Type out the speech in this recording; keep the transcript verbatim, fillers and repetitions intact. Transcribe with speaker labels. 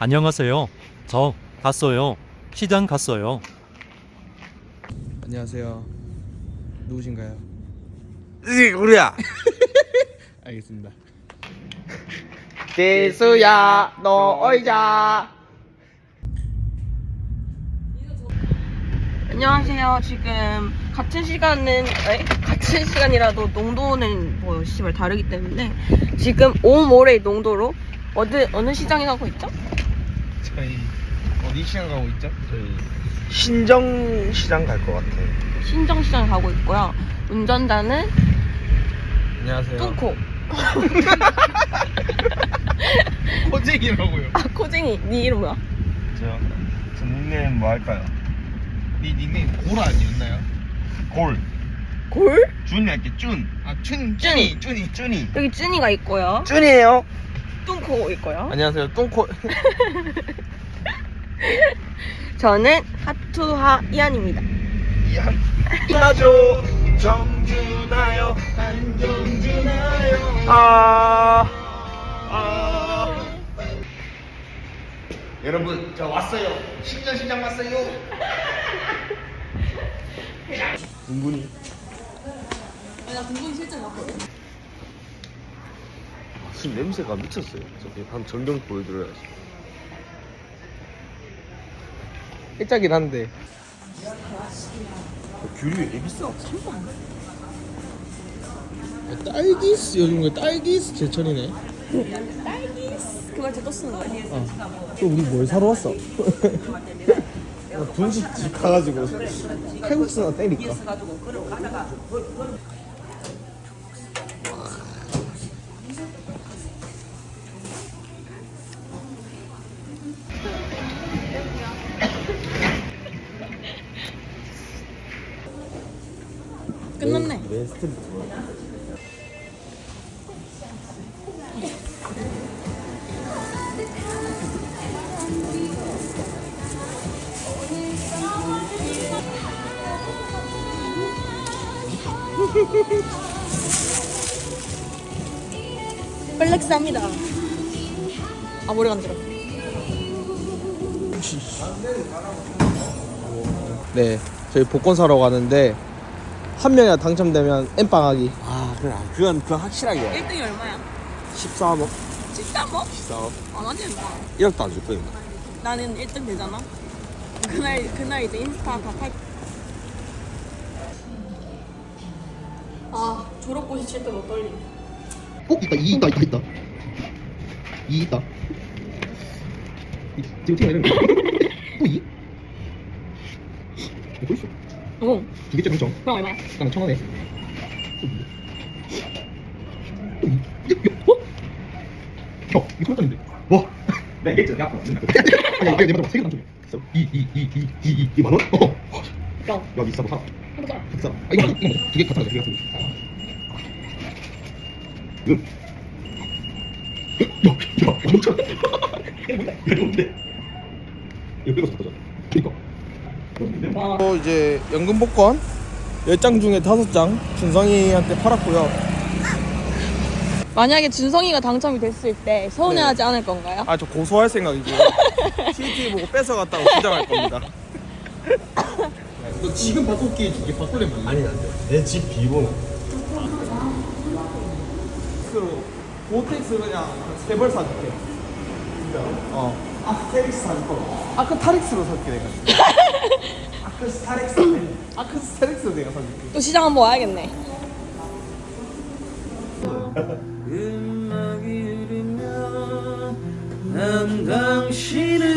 Speaker 1: 안녕하세요. 저 갔어요. 시장 갔어요.
Speaker 2: 안녕하세요. 누구신가요?
Speaker 3: 으이 우리야.
Speaker 2: 알겠습니다.
Speaker 3: 대수야 놀자.
Speaker 4: 안녕하세요. 지금 같은 시간은 에? 같은 시간이라도 농도는 뭐 씨발 다르기 때문에 지금 오모레 농도로 어느 어느 시장에 가고 있죠?
Speaker 2: 저희 어디 시장 가고 있죠?
Speaker 3: 저희 신정시장 갈 것 같아요.
Speaker 4: 신정시장에 가고 있고요. 운전자는
Speaker 2: 안녕하세요.
Speaker 4: 뚱코.
Speaker 2: 코쟁이라고요.
Speaker 4: 아 코쟁이. 네 이름 뭐야?
Speaker 3: 저, 저 닉네임 뭐 할까요?
Speaker 2: 네 닉네임 골 아니었나요?
Speaker 3: 골.
Speaker 4: 골?
Speaker 3: 준이 할게 준.
Speaker 2: 아 춘 춘이 춘이
Speaker 3: 준이.
Speaker 4: 여기 쭈니가 있고요.
Speaker 3: 준이에요.
Speaker 4: 뚱코 있고요.
Speaker 3: 안녕하세요. 똥코.
Speaker 4: 저는 하투하 이한입니다.
Speaker 3: 이한. 나죠. 정준하요. 안정준하요. 아. 아. 여러분 저 왔어요. 신전시장 왔어요. 은근히.
Speaker 4: 나 등본이 실제 봤거든.
Speaker 3: 지금 냄새가 미쳤어요. 저기 한 전경 보여드려야지.
Speaker 2: 일자긴 한데.
Speaker 3: 귤이 왜 이렇게 비싸?
Speaker 2: 딸기스 요즘 거 딸기스 제철이네.
Speaker 4: 딸기스 그걸 제또 쓰는 거야.
Speaker 2: 어. 또 우리 뭘 사러 왔어? 분식 집 가가지고 칼국수나 때릴까?
Speaker 4: 끝났네.
Speaker 2: 왜 스트리트?
Speaker 4: 플렉스합니다. 아 머리 간지러.
Speaker 2: 네, 저희 복권 사러 가는데 한 명이나 당첨되면 엠빵하기.
Speaker 3: 아 그래 그건 그건 확실하게
Speaker 4: 일 등이 얼마야?
Speaker 2: 십사억.
Speaker 4: 진짜 뭐?
Speaker 3: 십사억
Speaker 4: 안 하지 마.
Speaker 3: 일억도 안 줄 거예요.
Speaker 4: 나는 일 등 되잖아. 그날 그날 이제 인스타 다 팔. 아 졸업고시 칠 때 못 떨림.
Speaker 5: 어? 있다 이 있다 있다 있다 이 있다 이, 지금 어떻게 해야 되는 거야? 또 이? 또 있어
Speaker 4: 어.
Speaker 5: 두 개째 당첨
Speaker 4: 그럼 얼마야?
Speaker 5: 난 천원에 또 이? 또 이? 어? 어? 이거 천원짜리인데 와 내가 얘기했잖아 내가 아까 아니 이게 내가 세개 당첨이야 이 이 이 이 이 이 이 만원? 어
Speaker 4: 야.
Speaker 5: 야 비싸도 사라
Speaker 4: 해보자.
Speaker 5: 비싸 아 이거 맞아 이거 맞아 두개 같은 거두 개 같은 거 응. 야, 야, 엄청. 이게 뭔데? 이거 뭔데? 이거 빼고 샀다잖아. 그니까.
Speaker 2: 또 이제 연금 복권 열 장 중에 다섯 장 준성이한테 팔았고요.
Speaker 4: 만약에 준성이가 당첨이 됐을 때 서운해하지
Speaker 2: 네.
Speaker 4: 않을 건가요?
Speaker 2: 아 저 고소할 생각이고요. 티티 보고 뺏어갔다고 주장할 겁니다.
Speaker 5: 너 지금 바꿀게 이게 바꿀래 뭐? 아니 안 돼. 내 집 비번호.
Speaker 2: 보텍스 그냥 세 벌 사줄게. 진짜로? 어. 아크테릭스 사줄 거. 아크타릭스로 살게 내가. 아크스타릭스. 아크스타릭스 내가 사줄게.
Speaker 4: 또 시장 한번 와야겠네.
Speaker 6: 음악이 흐르면 난 당신을